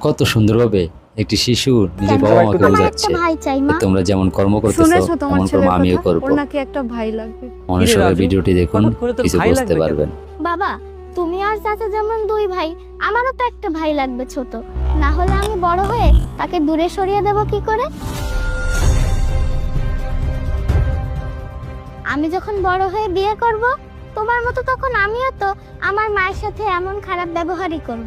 কত সুন্দরভাবে একটি শিশু নিজের বাবা মাকে বোঝাচ্ছে তোমরা যেমন কর্ম করতেছো তেমন কর্ম আমিও করব। ওনাকে একটা ভাই লাগবে। মনোযোগে ভিডিওটি দেখুন, কিছু বুঝতে পারবেন। বাবা, তুমি আর চাচা যেমন দুই ভাই, আমারও তো একটা ভাই লাগবে ছোট, না হলে আমি বড় হয়ে তাকে দূরে সরিয়ে দেব কি করে? আমি যখন বড় হয়ে বিয়ে করব, তোমার মতো তখন আমিও তো আমার মায়ের সাথে এমন খারাপ ব্যবহারই করব।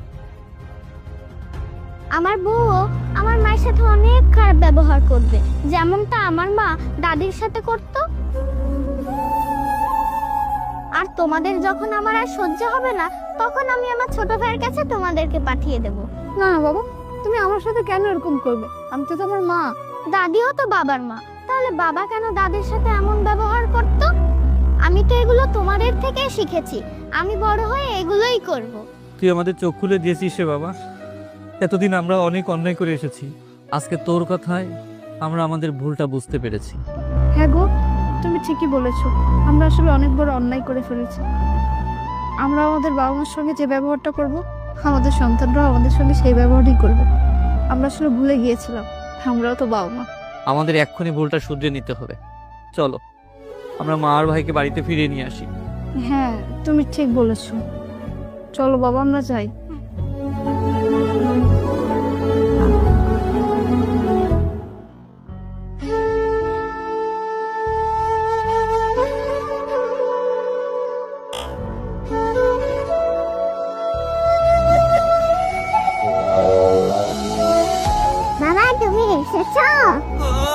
আমার বউও আমার মায়ের সাথে অনেক খারাপ ব্যবহার করবে, যেমনটা আমার মা দাদির সাথে করত। আর তোমাদের যখন আমার আর সহ্য হবে না, তখন আমি আমার ছোট ভাইয়ের কাছে তোমাদেরকে পাঠিয়ে দেব। না না বাবা, তুমি আমার সাথে কেন এরকম করবে? আমি তো তোমার মা। দাদিও তো বাবার মা, তাহলে বাবা কেন দাদির সাথে এমন ব্যবহার করত? আমি তো এগুলো তোমাদের থেকে শিখেছি, আমি বড় হয়ে এগুলোই করব। তুই আমাদের চোখ খুলে দিয়েছিস রে বাবা। এতদিন আমরা অনেক অন্যায় করে এসেছি, আজকে তোর কথায় আমরা আমাদের ভুলটা বুঝতে পেরেছি। হ্যাঁ গো, তুমি ঠিকই বলেছো, আমরা আসলে অনেক বড় অন্যায় করে ফেলেছি। আমরা আমাদের বাবা মার সঙ্গে যে ব্যবহারটা করব, আমাদের সন্তানরাও আমাদের সঙ্গে সেই ব্যবহারই করবে। আমরা আসলে ভুলে গিয়েছিলাম, আমরাও তো বাবা মা। আমাদের এক্ষুনি ভুলটা শুধরে নিতে হবে। চলো আমরা মা আর ভাইকে বাড়িতে ফিরিয়ে নিয়ে আসি। হ্যাঁ, তুমি ঠিক বলেছো। চলো বাবা, আমরা যাই। বাবা, তুমি এসেছো?